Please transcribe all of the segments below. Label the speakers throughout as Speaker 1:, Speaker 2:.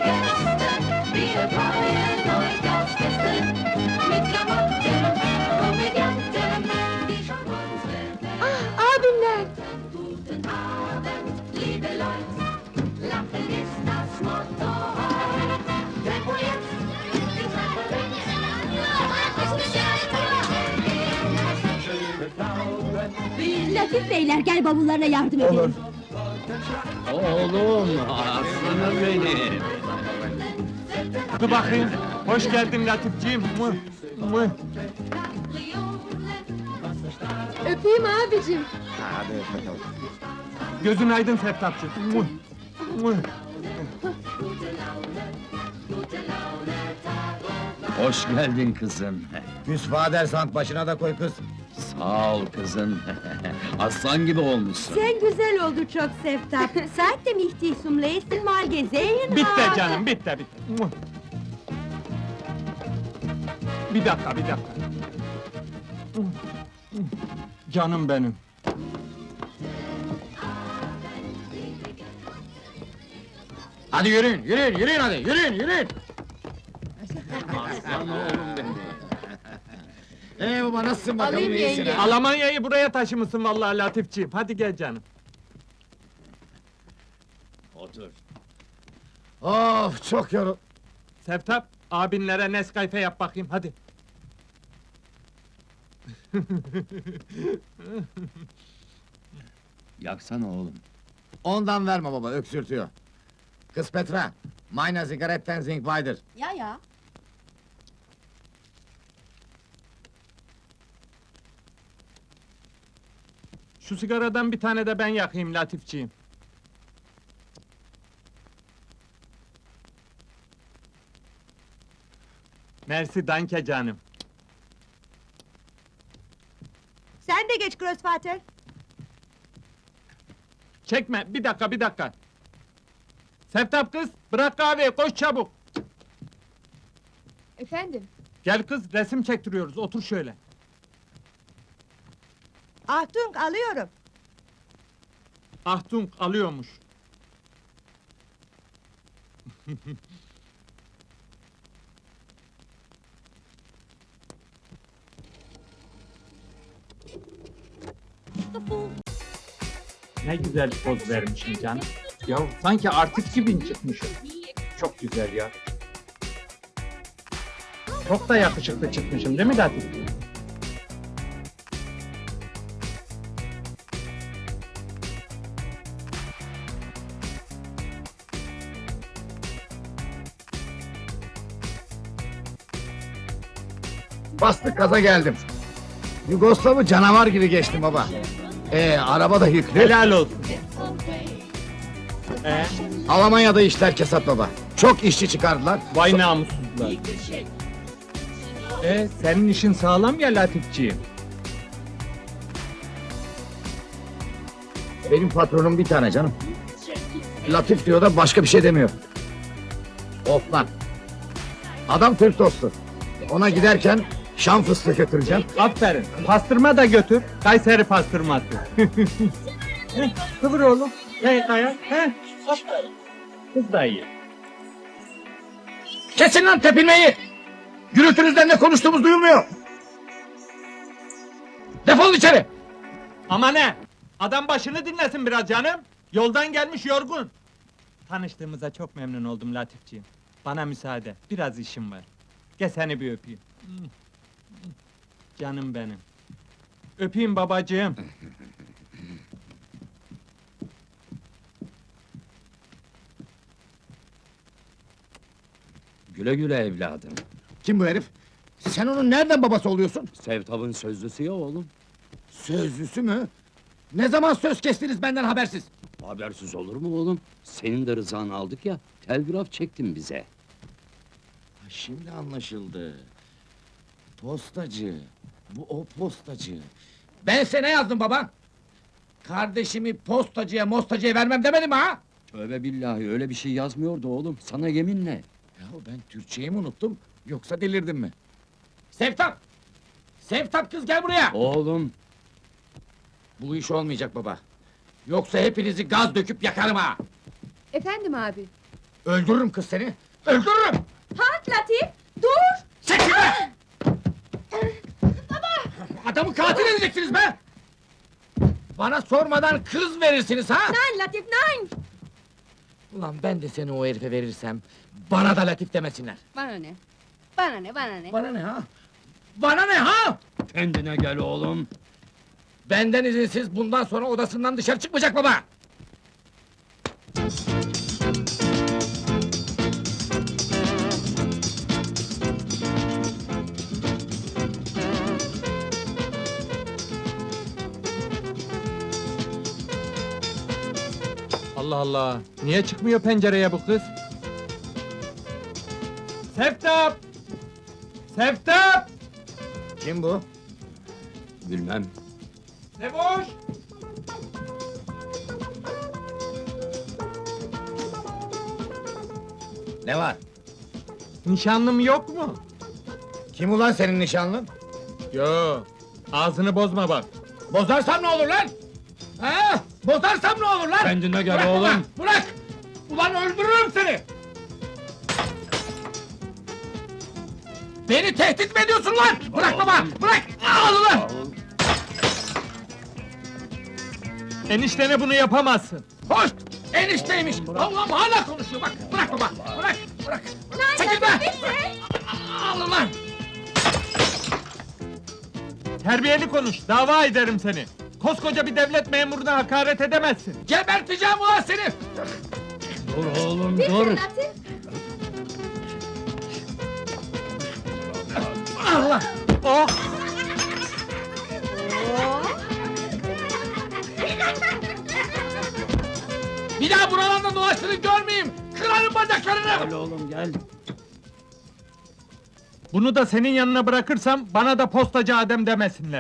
Speaker 1: Gästen, wir freuen euch aufs Beste. Mit Klamotten, Komödianten, die schon unsere
Speaker 2: Abimler!
Speaker 1: Guten Abend, liebe Leute. Lachen ist das Motto heute. Tempo jetzt, die Treppe
Speaker 2: Latif beyler, gel bavullarına yardım edelim.
Speaker 3: Oğlum, aslanım benim.
Speaker 4: Dur bakayım. Hoş geldin Latifciğim. Mıh, mıh.
Speaker 2: Öpeyim abicim.
Speaker 5: Hadi bakalım.
Speaker 4: Gözün aydın Seftapçı. Mıh, mıh.
Speaker 3: Hoş geldin kızım.
Speaker 5: Küs Vadersand başına da koy kız.
Speaker 3: Sağ ol kızım. Aslan gibi olmuşsun.
Speaker 2: Sen güzel oldu çok Seftap. Saatte mich dich zum letzten Mal gesehen
Speaker 4: Bitti
Speaker 2: habe.
Speaker 4: canım, bitti. Mıh. Bir dakika. Mıh, mıh. Canım benim.
Speaker 5: Hadi yürüyün hadi, yürüyün!
Speaker 3: Aslan oğlum benim.
Speaker 5: Baba nasılsın bakalım,
Speaker 2: Alayım
Speaker 5: iyisin
Speaker 2: yenge.
Speaker 5: ha?
Speaker 4: Almanya'yı buraya taşımışsın vallahi Latifciğim. Hadi gel canım.
Speaker 3: Otur.
Speaker 5: Of, çok yorul...
Speaker 4: Seftap, abinlere Nescafe yap bakayım, hadi.
Speaker 3: Yaksana oğlum.
Speaker 5: Ondan verme baba, öksürtüyor. Kız Petra, meine Zigaretten sind weiter.
Speaker 2: Ya.
Speaker 4: Şu sigaradan bir tane de ben yakayım Latifciğim. Mersi danke canım.
Speaker 2: Sen de geç Großvater.
Speaker 4: Çekme, bir dakika. Seftap kız, bırak kahveyi, koş çabuk.
Speaker 2: Efendim?
Speaker 4: Gel kız, resim çektiriyoruz, otur şöyle.
Speaker 2: Achtung, alıyorum.
Speaker 4: Ahtung alıyormuş. Ne güzel poz vermişim canım. Ya sanki artist gibi çıkmışım. Çok güzel ya. Çok da yakışıklı çıkmışım değil mi Latif?
Speaker 5: Bastık gaza geldim. Yugoslav'ı canavar gibi geçtim baba. Araba da yüklü.
Speaker 4: Helal olsun.
Speaker 5: Almanya'da işler kesat baba. Çok işçi çıkardılar.
Speaker 4: Vay namussuzlar. Senin işin sağlam ya Latifciğim.
Speaker 5: Benim patronum bir tane canım. Latif diyor da başka bir şey demiyor. Of lan. Adam Türk dostu. Ona giderken Şam fıstığı götüreceğim.
Speaker 4: Aferin. Pastırma da götür. Kayseri pastırması. Kıvır oğlum. Kaya. Aferin. Kız da iyi.
Speaker 5: Kesin lan tepinmeyi! Gürültünüzden ne konuştuğumuz duyulmuyor. Defol içeri!
Speaker 4: Ama ne? Adam başını dinlesin biraz canım. Yoldan gelmiş yorgun. Tanıştığımıza çok memnun oldum Latifciğim. Bana müsaade. Biraz işim var. Gel seni bir öpeyim. Canım benim. Öpeyim babacığım.
Speaker 3: Güle güle evladım.
Speaker 5: Kim bu herif? Sen onun nereden babası oluyorsun?
Speaker 3: Sevtap'ın sözlüsü ya oğlum.
Speaker 5: Sözlüsü mü? Ne zaman söz kestiniz benden habersiz?
Speaker 3: Habersiz olur mu oğlum? Senin de rızanı aldık ya, telgraf çektin bize.
Speaker 5: Şimdi anlaşıldı. Postacı. Bu o postacı. Ben size ne yazdım baba? Kardeşimi postacıya mostacıya vermem demedim mi ha?
Speaker 3: Tövbe billahi, öyle bir şey yazmıyordu oğlum, sana yeminle.
Speaker 5: Yahu ben Türkçeyi mi unuttum, yoksa delirdim mi? Sevtap! Sevtap kız gel buraya!
Speaker 3: Oğlum,
Speaker 5: Bu iş olmayacak baba. Yoksa hepinizi gaz döküp yakarım ha!
Speaker 2: Efendim abi?
Speaker 5: Öldürürüm kız seni! Öldürürüm!
Speaker 2: Halt Latif, dur!
Speaker 5: Çekil be! Adamı katil edeceksiniz be! Bana sormadan kız verirsiniz ha?
Speaker 2: Nein Latif, nein!
Speaker 5: Ulan ben de seni o herife verirsem, bana da Latif demesinler.
Speaker 6: Bana ne? Bana ne, bana ne?
Speaker 5: Bana ne ha? Bana ne ha?
Speaker 3: Kendine gel oğlum.
Speaker 5: Benden izinsiz bundan sonra odasından dışarı çıkmayacak baba!
Speaker 4: Allah Allah! Niye çıkmıyor pencereye bu kız? Seftap! Seftap!
Speaker 5: Kim bu?
Speaker 3: Bilmem.
Speaker 4: Sevoş!
Speaker 5: Ne var?
Speaker 4: Nişanlım yok mu?
Speaker 5: Kim ulan senin nişanlın?
Speaker 4: Yo, ağzını bozma bak.
Speaker 5: Bozarsam ne olur lan? Ha? Bozarsam ne olur lan?
Speaker 3: Kendine gel
Speaker 5: Bırak
Speaker 3: oğlum.
Speaker 5: ulan, bırak! Ulan öldürürüm seni! Beni tehdit mi ediyorsun lan? Bırak baba, bırak! Al ulan!
Speaker 4: Eniştene bunu yapamazsın.
Speaker 5: Hoş! Enişteymiş! Allah'ım hala konuşuyor bak! Bırak baba, bırak, bırak! Çekil be! Al ulan!
Speaker 4: Terbiyeli konuş, dava ederim seni. Koskoca bir devlet memuruna hakaret edemezsin.
Speaker 5: Geberteceğim ulan seni!
Speaker 3: Dur oğlum
Speaker 2: Bitte
Speaker 3: dur.
Speaker 2: Latif!
Speaker 5: Allah!
Speaker 4: Oh!
Speaker 5: Bir daha buralarda dolaştığını görmeyeyim! Kırarım bacaklarını!
Speaker 3: Gel oğlum gel.
Speaker 4: Bunu da senin yanına bırakırsam, bana da postacı Adem demesinler.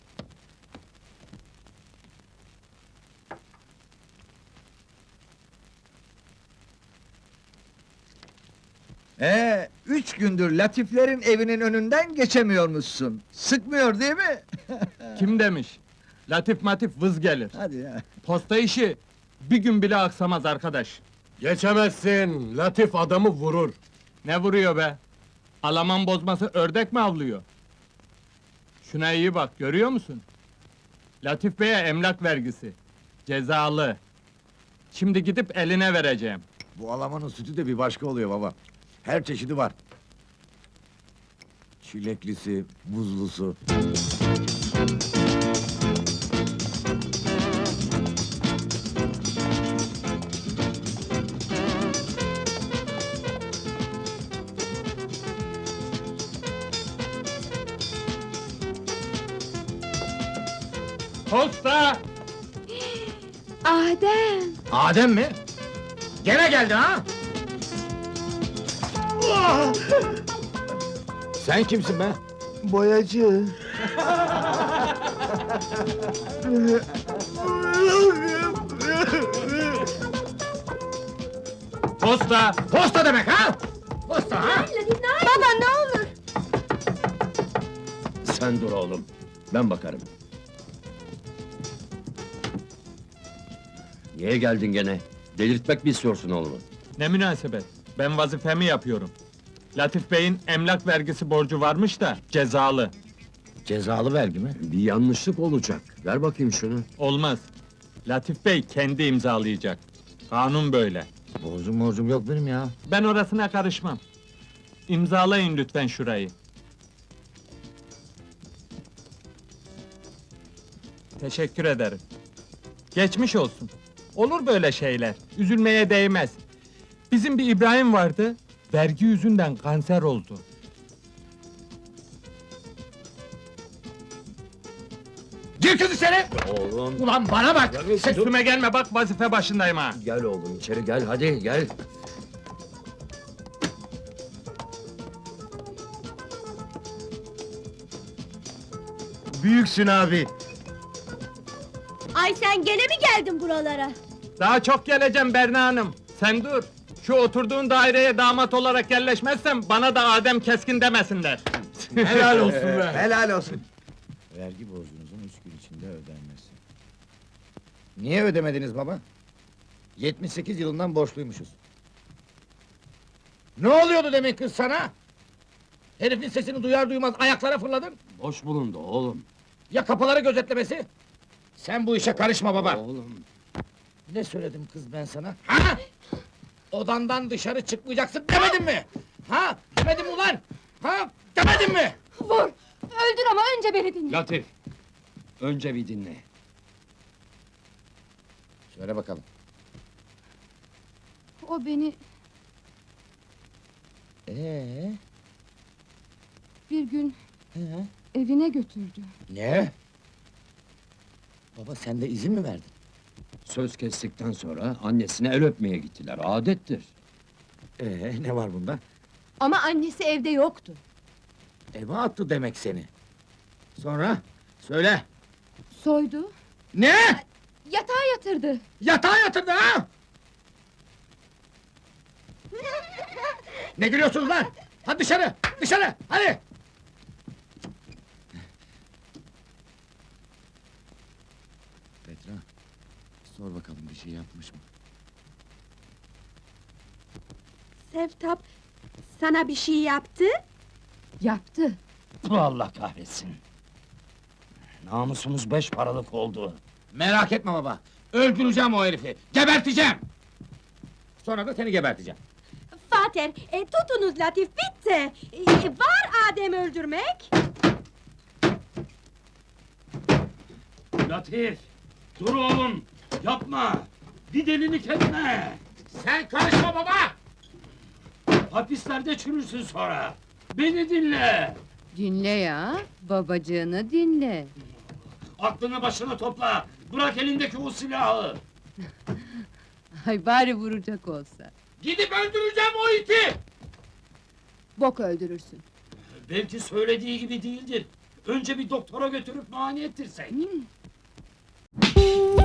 Speaker 7: Üç gündür Latiflerin evinin önünden geçemiyormuşsun. Sıkmıyor değil mi?
Speaker 4: Kim demiş? Latif matif vız gelir.
Speaker 7: Hadi ya.
Speaker 4: Posta işi bir gün bile aksamaz arkadaş.
Speaker 8: Geçemezsin, Latif adamı vurur.
Speaker 4: Ne vuruyor be? Alaman bozması ördek mi avlıyor? Şuna iyi bak, görüyor musun? Latif Bey'e emlak vergisi. Cezalı. Şimdi gidip eline vereceğim.
Speaker 7: Bu Alamanın sütü de bir başka oluyor baba. Her çeşidi var. Çileklisi, buzlusu.
Speaker 4: Posta!
Speaker 2: Adem!
Speaker 5: Adem mi? Gene geldi ha? Sen kimsin be?
Speaker 7: Boyacı.
Speaker 4: Posta!
Speaker 5: Posta demek ha? Posta ha?
Speaker 2: Latif, nein! Baba ne olur!
Speaker 3: Sen dur oğlum. Ben bakarım. Niye geldin gene? Delirtmek mi istiyorsun oğlumu?
Speaker 4: Ne münasebet? Ben vazifemi yapıyorum. Latif Bey'in emlak vergisi borcu varmış da cezalı.
Speaker 5: Cezalı vergi mi?
Speaker 3: Bir yanlışlık olacak. Ver bakayım şunu.
Speaker 4: Olmaz. Latif Bey kendi imzalayacak. Kanun böyle.
Speaker 5: Borcum yok benim ya.
Speaker 4: Ben orasına karışmam. İmzalayın lütfen şurayı. Teşekkür ederim. Geçmiş olsun. Olur böyle şeyler. Üzülmeye değmez. Bizim bir İbrahim vardı. Vergi yüzünden kanser oldu.
Speaker 5: Gir kız içeri!
Speaker 3: Oğlum.
Speaker 5: Ulan bana bak!
Speaker 4: Üstüme gelme bak vazife başındayım ha.
Speaker 3: Gel oğlum içeri gel hadi gel.
Speaker 7: Büyüksün abi.
Speaker 2: Ay sen gene mi geldin buralara?
Speaker 4: Daha çok geleceğim Berna Hanım. Sen dur. Şu oturduğun daireye damat olarak yerleşmezsem bana da Adem Keskin demesinler.
Speaker 5: Helal olsun be!
Speaker 7: Helal olsun.
Speaker 5: Vergi borcunuzun 3 gün içinde ödenmesi. Niye ödemediniz baba? 78 yılından borçluymuşuz. Ne oluyordu demek kız sana? Herifin sesini duyar duymaz ayaklara fırladın.
Speaker 3: Boş bulundu oğlum.
Speaker 5: Ya kapıları gözetlemesi? Sen bu işe karışma baba.
Speaker 3: Oğlum.
Speaker 5: Ne söyledim kız ben sana? Ha? Odandan dışarı çıkmayacaksın demedim mi? Ha? Demedim ulan? Ha? Demedim mi?
Speaker 6: Vur! Öldür ama önce beni dinle.
Speaker 3: Latif. Önce bir dinle.
Speaker 5: Söyle bakalım.
Speaker 6: O beni bir gün evine götürdü.
Speaker 5: Ne? Baba sen de izin mi verdin?
Speaker 3: Söz kestikten sonra annesine el öpmeye gittiler. Adettir.
Speaker 5: Ne var bunda?
Speaker 2: Ama annesi evde yoktu.
Speaker 5: Eve attı demek seni. Sonra? Söyle.
Speaker 6: Soydu,
Speaker 5: Ne?
Speaker 6: yatağa yatırdı.
Speaker 5: Yatağa yatırdı ha? Ne gülüyorsunuz lan? Hadi dışarı! Dışarı! Hadi! Petra, sor bakalım bir şey yapmış mı?
Speaker 2: Sevtap, sana bir şey yaptı?
Speaker 6: Yaptı.
Speaker 3: Allah kahretsin. Namusumuz 5 paralık oldu.
Speaker 5: Merak etme baba, öldüreceğim o herifi, geberteceğim! Sonra da seni geberteceğim.
Speaker 2: Fater, tutunuz Latif, bitti! Var Adem öldürmek!
Speaker 3: Latif! Dur oğlum! Yapma! Bir delilik etme!
Speaker 5: Sen karışma baba!
Speaker 3: Hapislerde çürürsün sonra! Beni dinle!
Speaker 6: Dinle ya, babacığını dinle.
Speaker 3: Aklını başına topla! Bırak elindeki o silahı!
Speaker 6: Ay bari vuracak olsa.
Speaker 5: Gidip öldüreceğim o iti!
Speaker 6: Bok öldürürsün.
Speaker 3: Belki söylediği gibi değildir. Önce bir doktora götürüp muayene ettirsek.